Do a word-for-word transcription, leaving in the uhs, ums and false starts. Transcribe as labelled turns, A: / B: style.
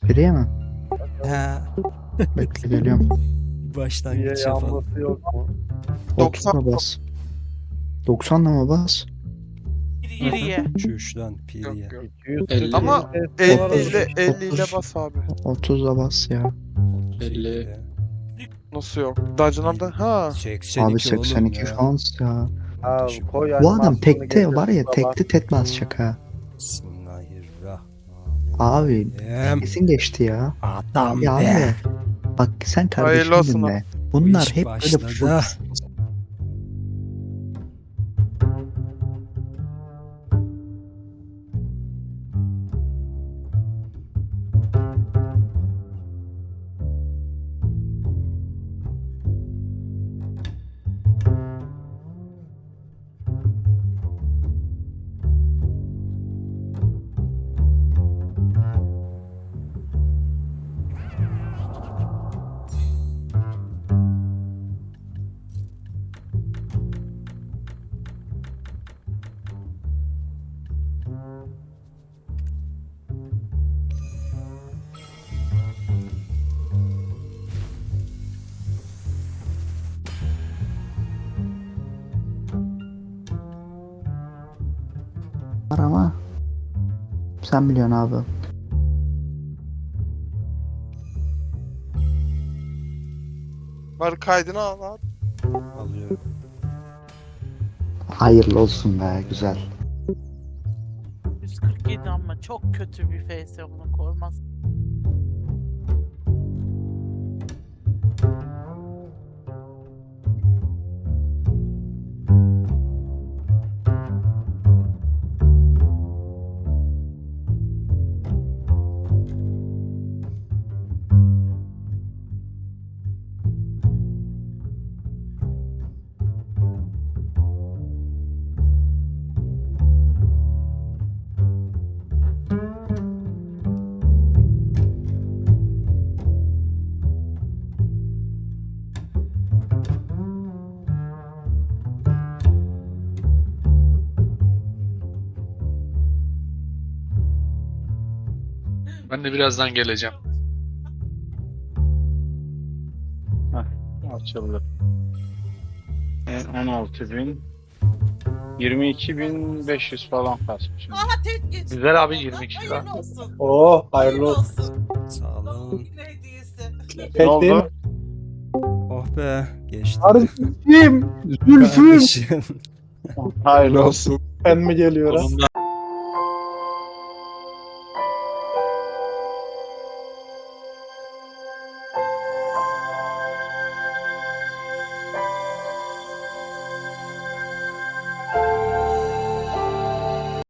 A: Biriye mi?
B: He.
A: Bekle geliyorum.
C: Niye
B: Başlangıç yapalım.
C: yanması yok mu?
A: otuz'a bas. doksanla mı bas?
D: Geriye.
B: Çüşten piriye.
E: Yok yok.
C: iki yüz
E: elli.
F: Ama
C: F P S
F: elli ile
C: olarak-
F: elli ile bas abi.
A: otuz'a bas ya.
E: elli.
F: Nasıl yok? Dungeon'larda ha.
B: seksen iki
A: Abi seksen iki
B: oğlum ya.
A: şans ya.
C: Abi koy
A: Bu adam
C: animasyonu
A: tekte
C: getir
A: var ya
C: baba.
A: tekte tek basacak ha.
B: Bismillahirrahmanirrahim.
A: Abi
B: Em,
A: kesin geçti ya.
B: Adam
A: Ya
B: be.
A: abi. Bak sen
F: Hayırlı olsun
A: kardeşim
F: lan.
A: dinle. Bunlar
B: iş
A: hep böyle
B: başladı.
A: full. Var ama sen biliyorsun abi.
F: Var kaydını al abi.
B: Alıyorum.
A: Hayırlı olsun be güzel.
D: yüz kırk yedi ama çok kötü bir F S onu korumaz.
E: Ben de birazdan geleceğim.
G: Açıldı. on altı bin. yirmi iki bin beş yüz falan kasmışım.
D: Aha tek geç.
E: Güzel abi yirmi iki lira.
D: Hayırlı olsun.
C: Oo hayırlı olsun.
B: Sağ olun.
D: Yine hediyesi.
G: Ne oldu?
B: Oh be. Geçti.
C: Kardeşim, Zülfüm.
B: Kardeşim.
G: Hayırlı olsun.
C: Ben mi geliyorum?
E: Sonunda